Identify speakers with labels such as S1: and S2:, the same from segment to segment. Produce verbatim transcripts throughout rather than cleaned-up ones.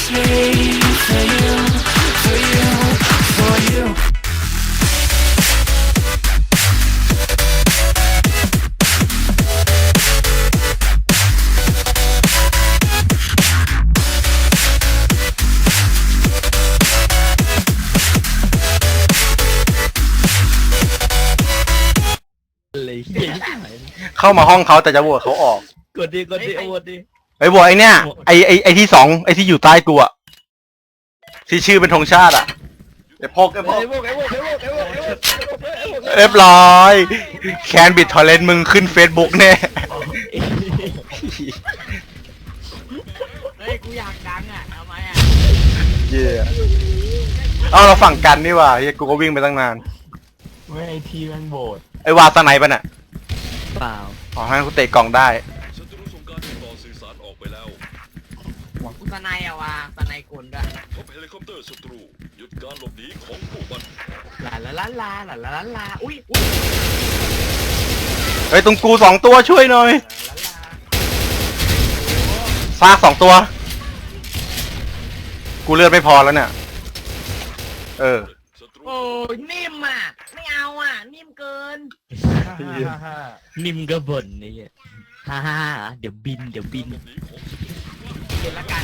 S1: me for you, for you, for you.
S2: เลยเหี้ย
S3: เข้ามาห้องเขาแต่จะโหวตเขาออก
S2: กดดิกดดิเอาหมดดิ
S3: ไอ้โหวตไอ้เนี่ยไอ้ไอ้ไอ้ที่สองไอ้ที่อยู่ใต้กูอะที่ชื่อเป็นธงชาติอะไอ้พกไอ้พก
S2: ไอ้พวกไอ้พวกไอ้พวกไอ้พวกไอ้พวกไอ้พวกไอ้พวก
S3: เรียบร้อยแคนบิดทอร์เรนต์มึงขึ้น Facebook แน่
S4: เฮ้ยกูอยากดังอ่ะทำไมอ่ะ
S3: เย่เอาเราฝั่งกันนี่ว่ะเฮียกูก็วิ่งไปตั้งนาน
S5: ไม่ไอทีแมันโบด
S3: ไอ้วาสไนปะน่ะ
S2: เปล่า
S3: ขอให้กูเตะกล่องได้
S6: ศัตรูส่งการติดต่อสื่อสารออกไปแล้ว
S4: กูสนายอะว่ะสนายกลด้วย
S6: พบเฮลิคอปเตอร์ศัตรูหยุดการหลบหนีของพวกมัน
S4: ลาลาลาลาลาลาลาลาอุ้ยอุ้ย
S3: เฮ้ยตรงกูสองตัวช่วยหน่อย
S4: ลาลาลา
S3: ซากสองตัว กูเลือดไม่พอแล้วเนี่ยเออ
S6: ศัตรู
S4: โอ้ยนิ่มอ่ะไม่เอาอ่ะนิ่มเกิน
S5: ฮ่าฮ่าฮ่าฮ่า
S2: นิ่มก็บ่นนี่ฮ่าฮ่าเดี๋ยวบินเดี๋ยวบิน
S6: หลบหนีของ
S4: เดี๋ยวละกัน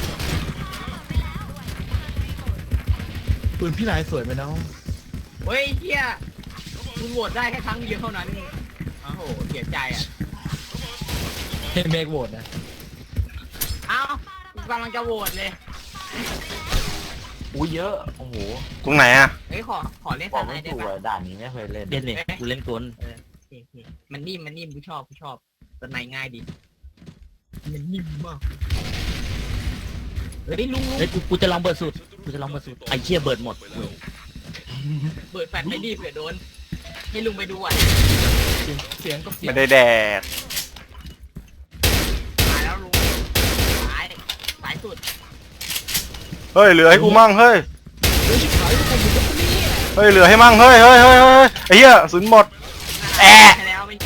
S5: ปืนพี่นายสวยไหมน้อง
S4: เฮ้ยเฮียคุณโหวตได้แค่ครั้งเดียวเท่านั้นโอ้โหเสียใจอ่ะ
S5: เห็นเมกโหวตนะ
S4: เอ้ากูกำลังจะโหวตเลย
S7: อุ้ยเยอะ โอ้โห
S3: ตรงไหนอะ
S4: เฮ้ยขอขอเล่น
S7: บ
S4: ส
S7: อก
S4: นา
S7: ไม่
S4: ยได้
S7: ถูก
S4: ปะ
S7: อะด่านนี้ไม่เคยเล่น
S2: เล่นเลยกูเล่นกล
S4: เออโอเคโอเคมันนิ่มมันนิ่มกูชอบกูชอบสนายง่ายดีมันนิ่มมากเฮ้ยลุงลุง
S2: เฮ้ยกูกูจะลองเบิร์ดสุดกูจะลองเบิร์ดสุดไอ้เชี่ยเบิร์ดหมด
S6: ไปแล้ว
S4: เปิดแฟลชไม่ดีเผื่อโดนให้ลุงไปดูอ่ะ
S5: เสียงก็เสียง
S3: ไม่ได้แดก
S4: ตายแล้วลุงตายตายสุด
S3: เฮ้ยเหลือให้กูมั่งเฮ้ย
S5: เฮ้ยชิบหายทุกคนอยู่ตรงนี้
S3: เฮ้ยเหลือให้มั่งเฮ้ยเฮ้ยเฮ้ยเฮ้ยไอ้เหี้ยศูนย์หมด แอะ
S4: ใช่แล้วไม่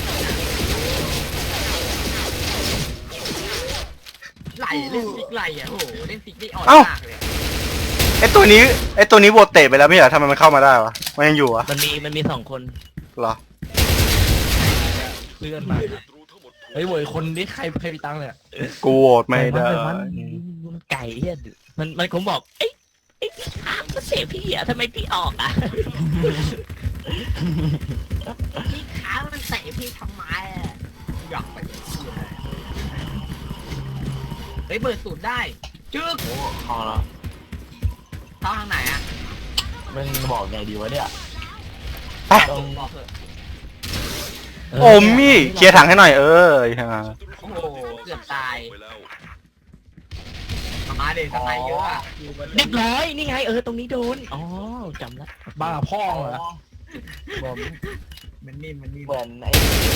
S4: ไหลเล่นซิกไหลอ่ะโหเล่นซิกได้อ่อนมากเลย
S3: ไอ้ตัวนี้ไอ้ตัวนี้โหวตเตะไปแล้วไม่เหรอทำไมมันเข้ามาได้วะมันยังอยู่วะ
S2: มันมีมันมีสองคน
S3: เหรอ
S5: เลื่อนมา
S6: ศัตรูทั้งหมดถูก
S5: เฮ้ยโวยคนนี้ใครใครมีตังค์เนี่ย
S3: กูโหวตไม่ได้
S2: มันมันไก่เฮียมันมันคงบอกเอ้ยไอ้พี่อาก็เสียพี่อ่ะทำไมพี่ออกอ่ะ
S4: พี่ขามันเตะพี่ทำไมอะอยากไปเฮ้ยเปิดสูตรได้จึ๊ก
S7: โอ้พอแล้ว
S4: เข้าทางไหนอ่ะ
S7: มันบอกไงดีวะเนี่ย
S3: ไป
S7: ต้อง
S4: บอกเถอะ
S3: โอมมี่เคลียร์ถังให้หน่อยเออไอ้ห่า
S4: โอ้โหเกือบตาย
S6: ไปแล้ว
S4: มาเด็กสไนเยอะอ่ะ
S2: เรียบร้อยนี่ไงเออตรงนี้โดนอ๋อจำละ
S5: บ้าพ่อเหรอบอก
S4: มันนิ่มมันนิ่ม
S7: เหมือนไอ้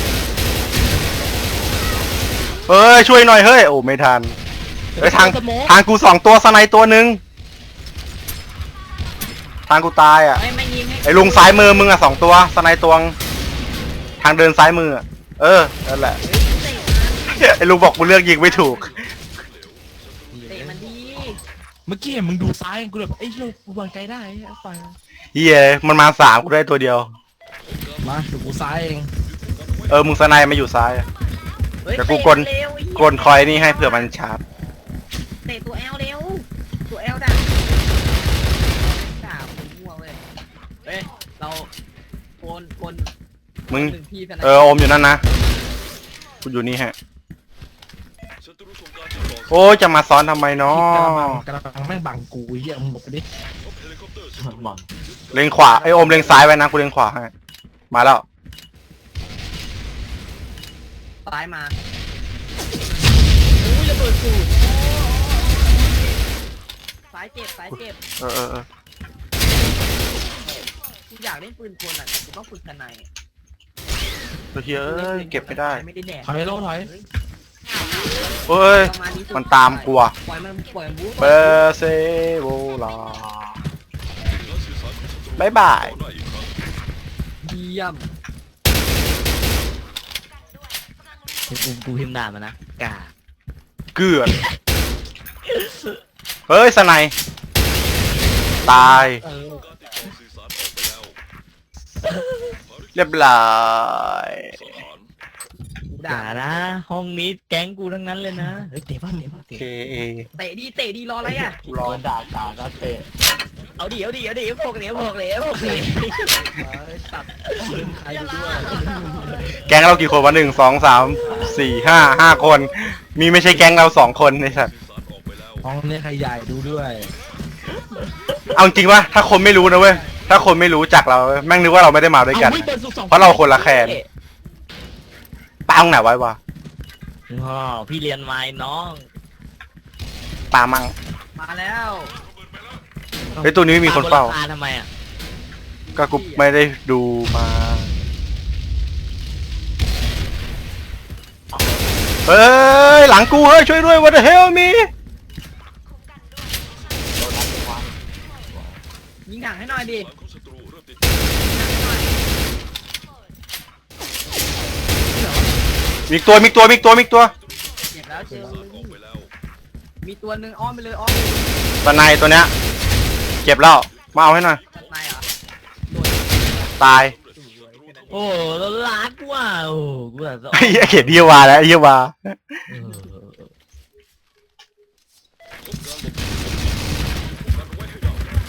S3: เฮ้ยช่วยหน่อยเฮ้ยโอ้ไม่ทันเฮ้ยทาง
S2: สโมก
S3: ทางกูสองตัวสไนตัวหนึ่งทางกูตายอ่ะ
S4: เฮ้ยไม่ยิงให้
S3: ไอ้ลุงซ้ายมือมึงอ่ะสองตัวสไนตวงทางเดินซ้ายมืออะเออนั่นแหละ ไอ้ลุงบอกกูเลือกยิงไม่ถูก
S4: เตะมันดี
S5: เมื่อกี้เห็นมึงดูซ้ายกูแบบไอ้ยเรากูวางใจได้ไอ้ไป
S3: เฮียมันมาสามกูได้ตัวเดียว
S5: มาดูกูซ้ายเอง
S3: เออมึงสไนมาอยู่ซ้ายอะ
S4: เฮ้ย
S3: เดี๋ยวกู
S4: เตะ
S3: กด
S4: เร็วไอ้เหี้ย
S3: กดคอยนี่ให้เผื่อมันชาร์จ
S4: เตะตัวแอลเร็วตัวแอลด่าด่าผมมั่วเว้ยเฮ้ยเราโคนคน
S3: มึง
S4: หนึ่งที่สไน
S3: เออโอมอยู่นั่นนะกูอยู่นี่ฮะ
S6: ศัตรูส่งการติดต่อ
S3: โอ้ยจะมาซ้อนทำไมเนาะ
S5: กำลังกำลังแม่งบังกูไอ้เหี้ยมึงบอกไปดิ
S6: พบเฮลิคอปเตอร์ศัตรู
S7: หมอน
S3: เล็งขวาไอโอมเล็งซ้ายไว้นะกูเล็งขวาให้มาแล้ว
S4: ซ้ายมาอุ้ยระเบิดสูตรซ้ายเจ็บซ้ายเจ็บ
S3: เออเออเออ
S4: กูอยากเล่นปืนกลอ่ะแต่กูต้องฝึกทนาย
S3: เฮ้ยเอ้ยเก็บไม่ได้
S4: ไม่ได้แดก
S5: ถอยโลถอย
S3: เฮ้ย
S4: ประาณสุด
S3: มันตามกูอะ
S4: ปล่อยมันปล่อยมันบู๊
S3: เปเซโบลา
S6: การสื่อสารของศัตรู
S3: บ๊ายบาย
S6: ต่อได้อีกครั้ง
S4: เยี่ยม
S2: กูกูพิมพ์ด่ามานะกา
S3: เกือดเฮ้ยสไนด์ตาย
S5: เออ
S6: การติดต่อสื่อสารออกไปแล้ว
S3: เรียบร้อย
S6: สถาน
S2: อ
S4: ด่า
S2: ย่านะ ห้องนี้แก๊งกูทั้งนั้นเลยนะเฮ้ยเตะบ้านเตะบ้าน
S3: เค
S2: เตะ
S3: เอ
S4: เตะดีเตะดีรออะไรอ่ะ
S7: โดนด่ากาก็เตะ
S2: เอาดิเอาดิเอาดิพวกเหลวพวกเหลวพวกเหลว
S4: ตัด
S2: ใครดูด้วย
S3: แก๊งเรากี่คนวะหนึ่งสองสามสี่ห้าห้าคน มีไม่ใช่แก๊งเราสองคนในสัตว์
S6: สื่อสารออกไปแล้ว
S5: ห้องนี้ใครใหญ่ดูด้วย
S3: เอาจริงวะถ้าคนไม่รู้นะเว้ยถ้าคนไม่รู้จักเราแม่งนึกว่าเราไม่ได้มาด้วยกัน
S2: เอาเฮ้ยเปิดสุกสอง
S3: เพราะเราคนละแคนปาตรงไหนไว้วะ
S2: อ๋อพี่เรียนไม้น้อง
S3: ปามัง
S4: มาแล้ว
S3: เฮ้ยตัวนี้ไม่มีคนเฝ้า
S2: ปบนหลังคทำไมอ่ะ
S3: ก็กูไม่ได้ดูมา เฮ้ย หลังกูเฮ้ย ช่วยด้วย what the hell me
S7: โดนรัดเป็นวัน
S4: ยิงถังให้หน่อยดิ
S6: ฐานของศัตรูเริ่มติด
S3: มีอีกตัว มีอีกตัว มีอีกตัว มีอีกตัว
S4: เจ็บแล้วเจอ
S6: สารออกไปแล้ว
S4: มีตัวหนึ่งอ้อมไปเลยอ้อมไปเลย
S3: ตัวในตัวเนี้ยเก็บแล้ว มาเอาให้หน่อย
S4: ตัดในเหรอ
S3: ตาย
S2: โอ้แล้วรักว่ะโอ้กูแบบ
S3: ไอ้เหี้ยเขียนเยี่ยวาแล้วไอ้เยี่ยวา
S2: เออ
S6: พบการหลบหนีกันไว้ให้ได้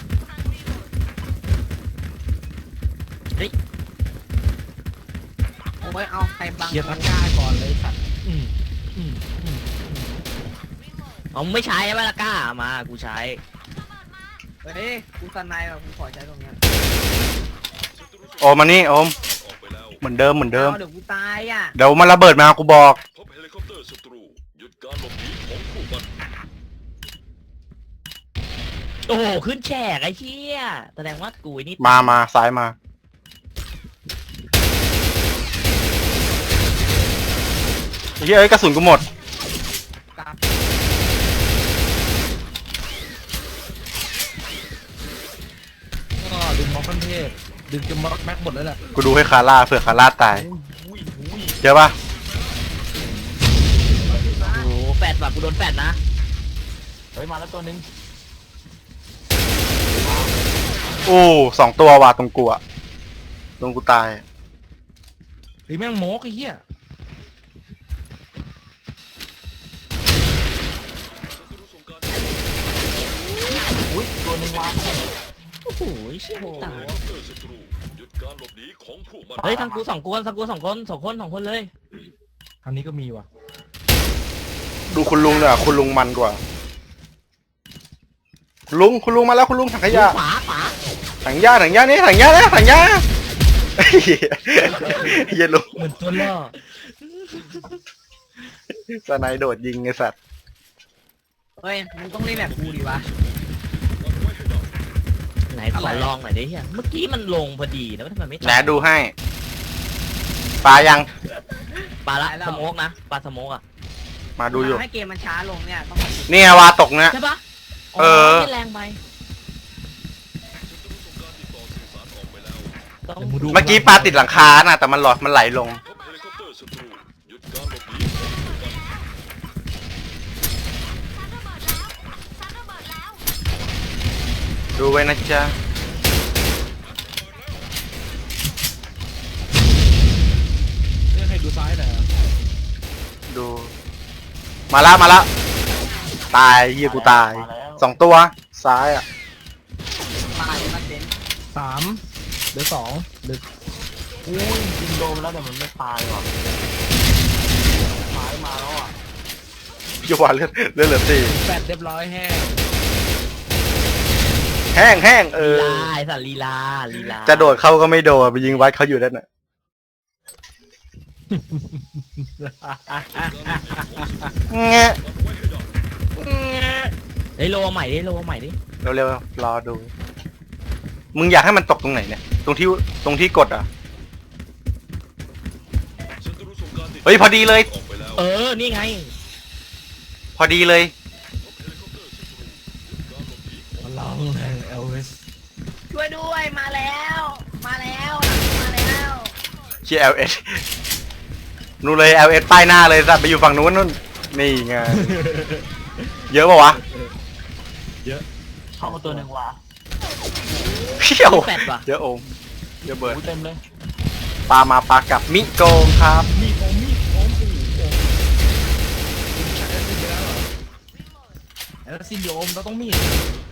S4: โอ้ยเอาใครบัง
S5: เคลียร์ตะกร้าก่อนเลยสัตว์
S2: อืมอืมอืมเอาไม่ใช้ไหมล่ะกล้ามากูใช้
S4: เฮ้ยกูสันในแบบกูขอใช้ตรงเนี้ย
S3: โอมมานี่โอม
S6: ออกไปแล้ว
S3: เหมือนเดิมเหมือนเดิม
S4: เอาเดี๋ยวกูตายอ่ะ
S3: เดี๋ยวมันระเบิดมากูบอก
S6: พบเฮลิคอปเตอร์ศัตรูหยุดการหลบหนีของผู้มัน
S2: โอ้โหขึ้นแฉกไอ้เชี่ยแสดงว่ากูไอ้นี่
S3: มามาซ้ายมาไอ้เหี้ยเอ้ยกระสุนกูหมด
S4: กลับ
S5: ก็ดึงม็อกขั้นเทพดึงจนม็อกแม็กหมดแล้วแหละ
S3: กูดูให้คาร่าเผื่อคาร่าตายเจอปะ
S2: โอ้โหแฟดว่ะกูโดนแฟดนะ
S7: เฮ้ยมาแล้วตัวนึง
S3: โอ้สองตัวว่ะตรงกูอะตรงกูตาย
S5: ไอ้แม่งโมกไอ้เหี้ย
S7: อุ้ยตัวนึงวาง
S2: โอ้โหเชี่ยไม่ตาย
S6: เฮลิคอปเตอร์ศัตรูหยุดการหลบหนีของผู้มัน
S2: เฮ้ยทางกูสองคนทางกูสองคนสองคนสองคนเลย
S5: ทางนี้ก็มีว่ะ
S3: ดูคุณลุงเนี่ยคุณลุงมันกว่าคุณลุงคุณลุงมาแล้วคุณลุงถังขยะ
S2: ขวาขวา
S3: ถังยาถังยานี่ถังยานะถังยาเหี้ยเหี้ยลุง
S5: เหมือนตัวล่อ
S3: สไนด์โดดยิงไอ้สัตว์
S4: เฮ้ยมึงต้องเล่นแบบกูดิวะ
S2: ไหนขอลองหน่อยดิเฮียเมื่อกี้มันลงพอดีนะทำไมไม่
S3: แหนดูให้ปลายัง
S2: ปลาละสโมกนะปลาสโมกอ่ะ
S3: มาดูอยู่
S4: ให้เกมมันช้าลงเนี่ยต้อง
S3: นี่ไงวาตกเนี่ย
S2: ใช่ปะ
S3: เออ
S2: ไม่แรงไปต้อง
S5: แต่มึงดู
S3: เมื่อกี้ปลาติดหลังคาน่ะแต่มันหลอดมันไหลลง
S6: พบเฮลิคอปเตอร์ศัตรูหยุดการหลบหนีของผู้มัน
S3: ดูไว้นะจ๊ะ
S5: เรื่องให้ดูซ้ายหน่อยอะ
S3: ดู มาละมาละตายเหี้ยกูตายสองตัวซ้ายอ่ะ
S4: ตายมาเต็น
S5: สามเหลือสองเหลือ
S7: อุ้ยยิงโดนแล้วแต่มันไม่ตายว่ะหายมาแล้วอ่ะ
S3: พี่วานเลือดเลือดเหลือสี่
S5: แปดเรียบร้อยแห้ง
S3: แห้งแห้งเอ
S2: ลี
S3: อ
S2: ลาไอ้สัตว์ลีลาลีลา
S3: จะโดดเข้าก็ไม่โดดไปยิงวัดเขาอยู่นั่นน่ะ แงะ
S2: เฮ้ยโลใหม่ดิโลใหม่ดิ
S3: เร็วๆรอดู มึงอยากให้มันตกตรงไหนเนี่ย ตรงที่ตรงที่กดอ่ะ
S6: ศัตรูส่งการติด
S3: เฮ้ยพอดีเลย
S6: ออกไปแล้ว
S2: เออนี่ไง
S3: พอดีเลย
S6: พบเฮลิคอปเตอร์ศัตรูหยุดการหลบหนีของ
S5: พลังแห่งเอลวิส
S4: ช่วยด้วยมาแล้ว มาแล้วมาแล้ว
S3: เชียร์ แอล เอส นู่นเลย แอล เอส ป้ายหน้าเลยสัตว์ไปอยู่ฝั่งนู้นนู่น นี่ไง เยอะปะวะ
S5: เยอะ
S7: เข้ามาตัวหนึ่งว่ะ
S3: เพี้ยว
S2: แปดว่ะ
S3: เยอะโอมเยอะเบิร์ด
S7: อู้เต็มเลย
S3: ปลามาปลากลับมิโกงครับ
S5: มีดโอมมีดโอมโอ้โหคุณใช้แอสซินไปแล้วเหรอแอสซินเดี๋ยวโอมเราต้องมีด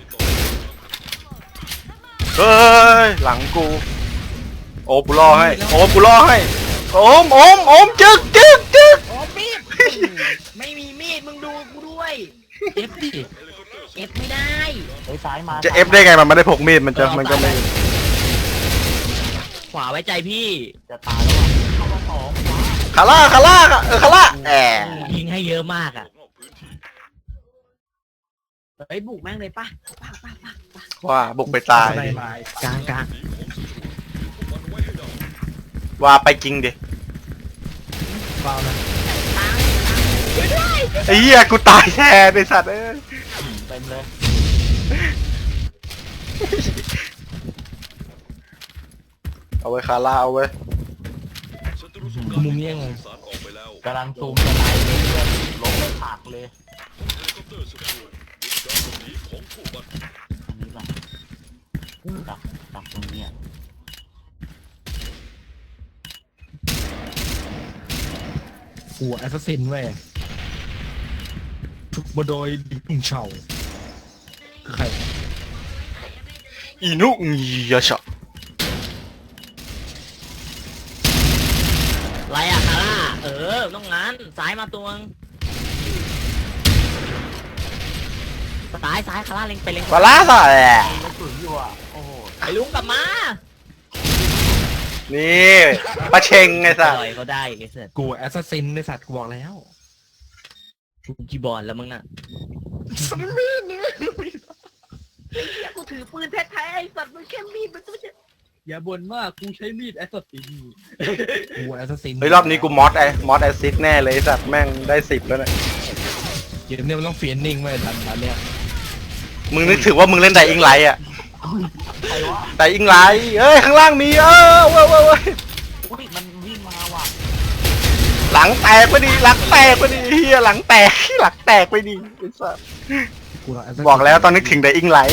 S3: เฮ้ยหลังกูโอมกูล่อให้โอมกูล่อให้โอมโอมโอมจึกจึกจึก
S4: โอ้มีดไม่มีมีดมึงดูกูด้วย
S5: เอฟดิ
S4: เอฟไม่ได้
S7: เฮ้ยซ้ายมา
S3: จะเอฟได้ไงมันไม่ได้พกมีดมันจะมันก็ไม่
S2: ขวาไว้ใจพี่
S7: จะตายแล้วว่ะเข้ามาสองขวา
S3: คาร่าคาร่าเออคาร่าแอบ
S2: ยิงให้เยอะมากอ่ะ
S4: เฮ้ยบุกแม่งเลยป่ะป่ะป่ะป่ะป่ะ
S3: ว่าบุกไปตาย
S5: ในไม้
S2: กลางกลาง
S3: ว่าไปจริงดิ
S5: เปล่านะ
S3: ไอ้เหี้ยกูตายแทนไอ้สัตว์เอ้ย
S7: เต็มเลย
S3: เอาไว้คาร่าเอาไว้
S6: ศัตรูสงค
S5: คื
S6: รา
S5: อ
S6: ม
S5: มุมนี้ยังไง
S6: สารออกไปแล้ว
S7: กำลังซูมจะตายเลยเพื่อนลงไปผักเลย
S6: เฮลิคอปเตอร์ศัตรูหยุดการหลบหนีของพวกมัน
S7: อันนี้ป่ะดักดักตรงเนี้ย
S5: หัวแอสซินเว้ยฝึกมาโดยดิบุงเฉาคือใคร
S3: อีนุอียะชะ
S2: ไรอะคาร่าเออต้องงั้นซ้ายมาตัวงซ้ายซ้ายคาร่าเล็งไปเล็ง
S3: คาร่าสะแหละ
S7: กระสุนอยู่อ่ะโอ้โห
S2: ไอ้ลุงกลับมา
S3: นี่ปะเชงไงสัตว์
S2: ปล่อยเขาได้ไอ้เสร็จ
S5: กูแอสซินในสัตว์กูบอกแล้ว
S2: กูกีบอลแล้วมึงน่ะ
S4: อย่ากูถือปืนแท้ๆไอ้สัตว์มันแค่มีดมันจะ
S5: อย่าบ่นมากกูใช้มีดแอสซินกูแอสซิน
S3: เฮ้ยรอบนี้กูมอสไอมอสแอซิดแน่เลยไอ้สัตว์แม่งได้สิบแล้วเนี่ย
S5: เกมเนี่ยมันต้องเฟียนนิ่งไว้ทันทันเนี่ย
S3: มึงนึกถึงว่ามึงเล่นไดอิงไลท์อะ
S7: ใครวะ
S3: ไดอิงไลท์เอ้ยข้างล่างมีเออเว้ยเว้ยเว้ย
S7: อุ้ยมันวิ่งมาว่ะ
S3: หลังแตกไปดิหลังแตกไปดิเฮียหลังแตกหลังแตกไปดิไอ้สัตว์
S5: กูเอา Assassin
S3: บอกแล้วตอนนึกถึงไดอิงไลท์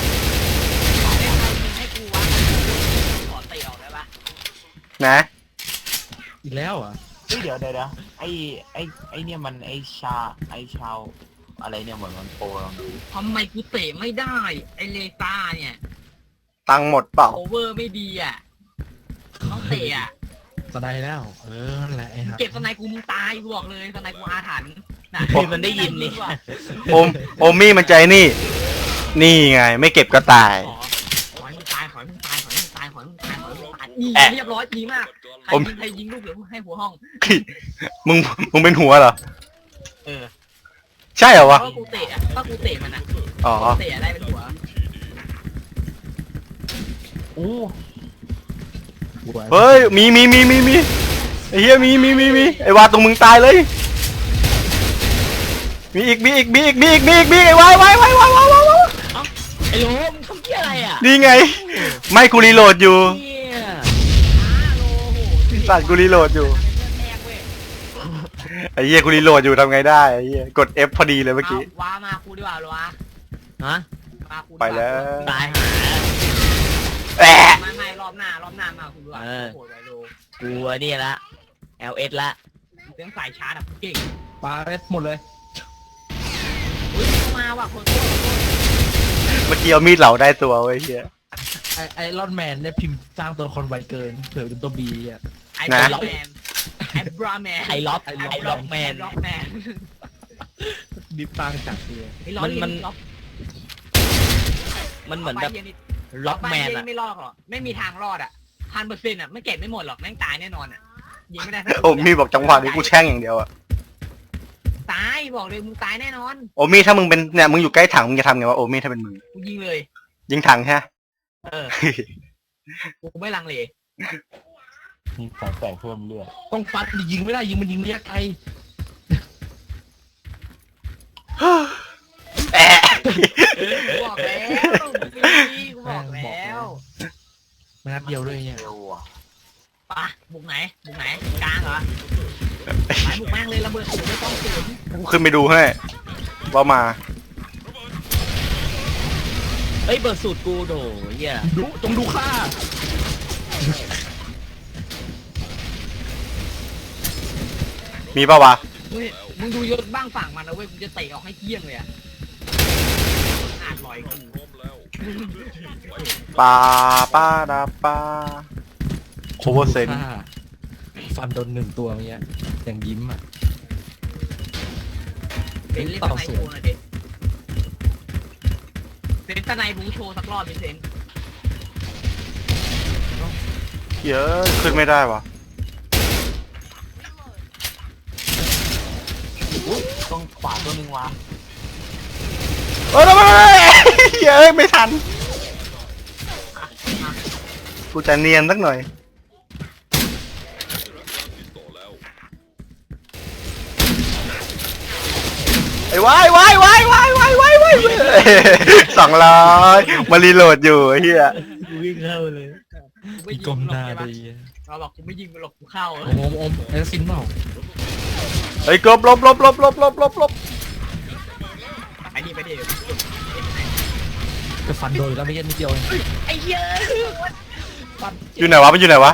S4: ให้กูวะขอเตะออกได้ปะ
S3: นะ
S5: อีกแล้วเหรอ่ะ
S7: เฮ้ยเดี๋ยวเดี๋ยวเดี๋ยวไอ้ไอ้ไอ้เนี่ยมันไอ้ชาไอ้ชาวอะไรเนี่ยเหมือนมันโปรลองดู
S4: ทำไมกูเตะไม่ได้ไอเลต้าเนี่ย
S3: ตังค์หมดเปล่า
S4: โอเวอร์ไม่ดีอ่ะต้องเตะอ่ะ
S5: สไนแล้ว เออนั่นแหละไอ้ห่า
S4: เก็บสไนกูมึงตายกูบอกเลยสไนกูอาถรรพ์น่ะ
S2: คือมันได้ยินนี่
S3: โอมโอมี่มันใจนี่ นี่ไงไม่เก็บก็ตาย
S4: ขอขอให้มึงตายขอให้มึงตายขอให้มึงตายขอให้มึงตายขอให้มึงตายนี่
S3: แอะ
S4: เรียบร้อยดีมากใคร
S3: ผม
S4: ยิงใครยิงลูกเหลือให้หัวห้อง
S3: มึงมึงเป็นหัวเหรอ
S4: เออ
S3: ใช่เหรอ
S4: เพ
S3: วะ
S4: ราะกูเตะอ่ะก็กูเตะมันอ่ะ
S3: อ๋อ
S4: เตะได้เป็นหัว
S7: อู้
S5: กูอา
S3: เฮ้ยมีมีมีมีมีไอ้เหี้ยมีมีมีมีไอ้วาตรงมึงตายเลย มีอีกมีอีกมีอีกมีอีกมีอีกมีอีกไอ้วายวายวายวายวายวายวาย
S2: ไอ้ลุงมึงทำเหี้ยอะไรอ่ะ
S3: นี่ไง ไม่กูรีโหลดอยู่
S2: เหี้ย
S4: อ้าโลโห
S3: สัตว์กูรีโหลดอยู่
S4: แรกเว้ย
S3: ไอ้เหี้ยกูรีโหลดอยู่ทำไงได้ไอ้เหี้ยกด F พอดีเลยเมื่อกี้
S4: เอาว้ามากูดีกว่าเหรอวะ
S2: ฮะ
S4: มากูดีกา
S3: ไปแล้ว
S2: ตายหา
S3: แอะ
S4: ไม่ไม่รอบหน้ารอบหน้ามากูดีกว่า
S2: เออ
S4: โหดไวโล
S2: กูอันนี่ละ แอล เอส ละ
S4: เรื่องสายชาร์จอ่ะกูเก่ง
S5: ปลาเอสหมดเลย
S4: อุ้ยมาว่ะคนโคตร
S3: เมื่อกี้เอามีดเหลาได้ตัวไอ้เหี้ย
S5: ไอไอรอนแมนเนี่ยพิมพ์สร้างตัวละครไวเกินเผื่อเป็นตัวบีอ่ะ
S4: ไอ้
S3: นะ
S4: บราแมนไอ้บราแมน
S2: ไอล็อก
S5: ไอ้
S2: ไอล็อกแมน
S4: ล็อกแมน
S5: ดิฟตั้งจากเดีย
S4: ไอ้ล็อก
S2: มันมัน
S4: ล็อก
S2: มันเหมือนแบบ
S4: ไปเย็นนิด
S2: ล็อกแมน
S4: ไปเย็
S2: อะ
S4: ไม่รอดหรอกไม่มีทางรอดอ่ะพันเปอร์เซ็นต์อ่ะไม่เก็บไม่หมดหรอกแม่งตายแน่นอนอ่ะยิงไม่ได้สัก
S3: โอมี่บอกจังหวะนี้กูแช่งอย่างเดียวอะ
S4: ตายบอกเลยมึงตายแน่นอน
S3: โอมี่ถ้ามึงเป็นเนี่ยมึงอยู่ใกล้ถังมึงจะทำไงวะโอมี่ถ้าเป็นมึง
S4: กูยิงเลย
S3: ยิงถังใช่ไหม
S4: เออกูไม่ลังเล
S7: มีแสงแสงเพิ่มเลือด
S5: ต้องฟัดยิงไม่ได้ยิงมันยิงระยะไกล
S3: แอะ
S4: กูบอกแล้วกูบอกแล้ว
S5: มานัดเดียวด้วยเนี่ย
S7: เร็วอ่ะ
S4: ปะบุกไหนบุกไหนกลางเหรอไปบุกแม่งเลยระเบิดสูงไม่ต้องสูง
S3: กูขึ้นไปดูให้ว่ามา
S2: เอ้ยเบิร์ดสูตรกูโถเหี้ย
S5: ดูจงดูค่า
S3: มีปะวะ
S4: มึงมึงดูยศบ้างฝั่งมันนะเว้ยกูจะเตะออกให้เกี้ยงเลยอะอาจลอยกู
S6: พร้อมแล้วเคลื่อนที่ไป
S3: ปาปาดาปาโอเวอร์เซน
S5: ค่าฟันโดนหนึ่งตัวเมื่อกี้ยังยิ้มอ่ะ
S4: เป็นเล่นสไนโชว์หน่อยดิเป็นสไนบูโชว์สักรอบดิเซน
S3: เยอะขึ้นไม่ได้วะ
S7: อุ้ยตรงขวาตัวหนึ่งวะ
S3: เออทำไมเยอะไม่ทันกูจะเนียนสักหน่อย ไอ้วายวายวายวายวายวายวายสองร้อยมารีโหลดอยู่ไอ้เฮีย
S2: กูวิ่งเข้าเลย
S4: ไม่
S5: อี
S4: ยิ
S5: กลม
S4: ง
S5: ห
S4: หร
S5: น้า
S4: อกใช่ปะ
S5: ดี
S4: เราบอกกูไม่ยิงมันหรอกกูเข้า
S5: โอมโอมโอมแอสซินเปล่า
S3: เฮ้ยกลบลบลบลบลบลบลบลบ
S4: ไอ้นี่ไปดิ
S5: จะฟันโดนแล้วไม่ใช่นิดเดียวเอง
S4: ไอ้เหี้ย
S3: อยู่ไหนวะมันอยู่ไหนวะ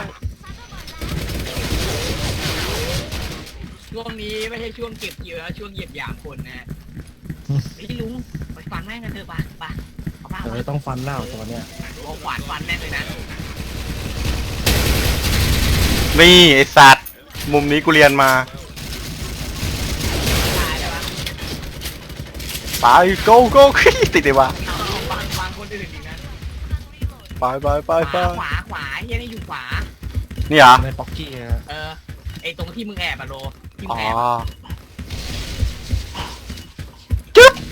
S4: ช่วงนี้ไม่ใช่ช่วงเก็บเกี่ยวแล้วช่วงเหยียบหยามคนนะฮะไอ้ลุงไปฟันแม่งกันเถอะปะปะเอาบ้า
S5: เออต้องฟันแล้วตัวเนี้ย
S4: เอาขวานฟันแม่งเลยนะ
S3: นี่ไอสัตว์มุมนี้กูเรียนมา
S4: ตายแล้วปะ
S3: ไปโกโก้ติดเลยวะ
S4: เอาฟันฟันคนอื่นอีกนะ
S3: ไปไปไป
S4: ข
S3: ไป
S4: วาขวาขวาเฮียนี่อยู่ขวา
S3: นี่เหรอ
S5: ในป๊อกกี้อะ
S4: เออไอตรงที่มึงแอบอะโลที่มึ
S3: อ๋
S4: ง
S3: อ
S4: แอบ
S3: จึ๊บ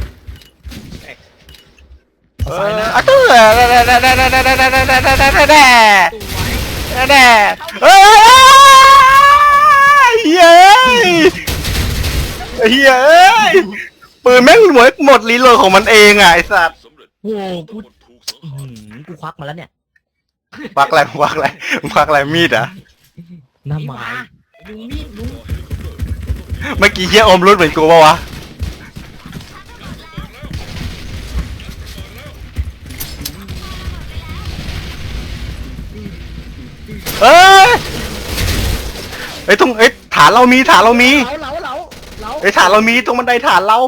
S5: เอา
S3: เอ
S5: ซ้าย
S3: อ
S5: หน้า
S3: อะตู้แด่แด่แด่แด่แด่แด่แด่แด่แด่แด่แด่แด่
S4: ตัวไว้
S3: แด่เฮ้ยเฮ้ยเฮ้ยปืนแม่งหมดหมดรีโหลดของมันเองอ่ะไอสัตว์
S6: สำเร็จ
S2: โว้กู
S6: คนถูกสัง
S2: อื้อ
S6: หาร
S2: หือกูควักมาแล้วเนี่ย
S3: ควักอะไรควักอะไรควักอะไรมีดอ่ะ
S5: หน้า
S4: ไอ้ห
S5: ไม้
S4: มาลุงมีดลุง
S3: เมื่อกี้เฮียอมรุดเหมือนกูปะวะเอ้ยไอ้ยตรงไอ้ยฐานเรามีฐานเรามี
S4: เหลาเหลาเหลาเหลา
S3: ไอ้ยฐานเรามีตรงบันไดฐานเรา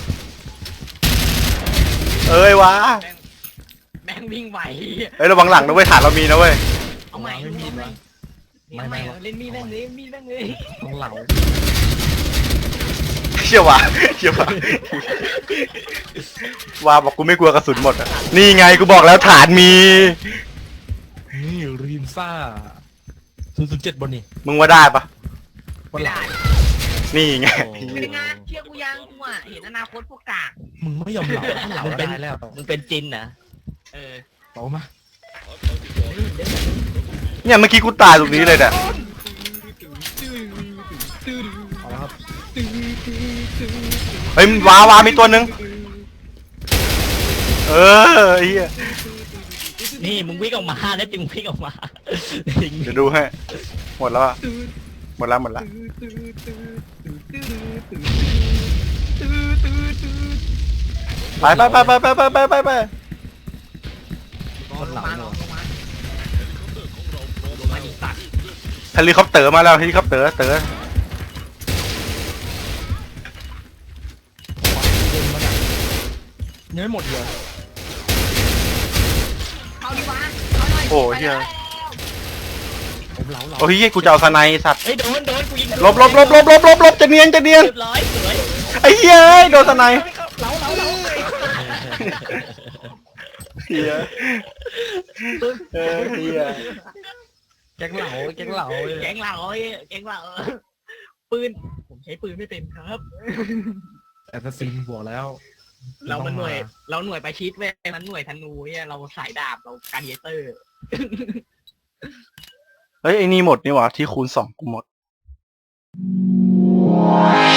S3: เอ้ยวะ
S4: แม่งวิ่งไหว
S3: เอ้ยระวังหลังนะเว้ยฐานเรามีนะเว้ย
S4: เอาใหม่ลุงเอาใหม่เอาใหม่เล่นมีดแม่งเลยมีดแม่งเลย
S5: ต้องเหลา
S3: เชี่ยวะเชี่ยวะว่าบอกกูไม่กลัวกระสุนหมดอะนี่ไงกูบอกแล้วฐานมี
S5: นี่รีมซ่าศูนย์ศูนย์เจ็ดบนนี่
S3: มึงว่าได้ปะ
S5: บน
S4: ไม่
S5: หลั
S4: ได้
S5: ง
S3: นี่ไง
S4: เป็นไงเชื่อกูยังกูอ่ะเห็นอนาคตพวกกาก
S5: มึงไม่ยอมเหลาถ้าเหลาได้แล้ว
S2: มึงเป็นจินนะ
S4: เออ
S5: เหลามา
S3: เนี่ยเมื่อกี้กูตายตรงนี้เลยเนี่ย
S5: เอาละครับ
S3: เฮ้ยวาวามีตัวหนึ่งเออไอ้เหี้ย
S2: นี่มึงวิ่งออกมาแล้วจึงวิ่งออกมา
S3: เดี๋ยวดูให้หมดแล้วอะหมดแล้วหมดแล้วไปไปไปไปไปไปไปไปไป
S5: คนเหลา
S4: มา
S5: เน
S4: ล
S5: อะ
S4: งมาลงมาดิสัตว์
S3: เฮลิคอปเตอร์มาแล้วเฮลิคอปเตอร์เตอร์
S5: เล่นมันอะยังไม่หมดเลย
S4: เอาดิวะเอาหน่อย
S3: โอ้เฮีย
S5: ผมเหลาเหลา
S3: โอ้ยเฮียกูจะเอาสไนด์สัตว์
S2: เฮ้ยโดนโดนกูยิง
S3: ลบลบลบลบลบลบลบจะเนียนจะเนียน
S2: เรียบร้อยสวย
S3: ไอ้เฮียเอ้ยโดนสไนด์
S2: เหลาเหลาเหลา
S3: เฮียเออเฮีย
S5: แก๊งเหลาแก๊งเหลาเลย
S4: แกงเหล่าเอ้ยแกงเหล่าปืนผมใช้ปืนไม่เป็นครับ
S5: แอสซินบวกแล้ว
S4: เรามันหน่วย เราหน่วยประชิดเว้ยมันหน่วยธนูเนี่ยเราสายดาบเราการเยเตอร์
S3: เฮ้ยไอ้นี่หมดนี่หว่าที่คูณสองกูหมด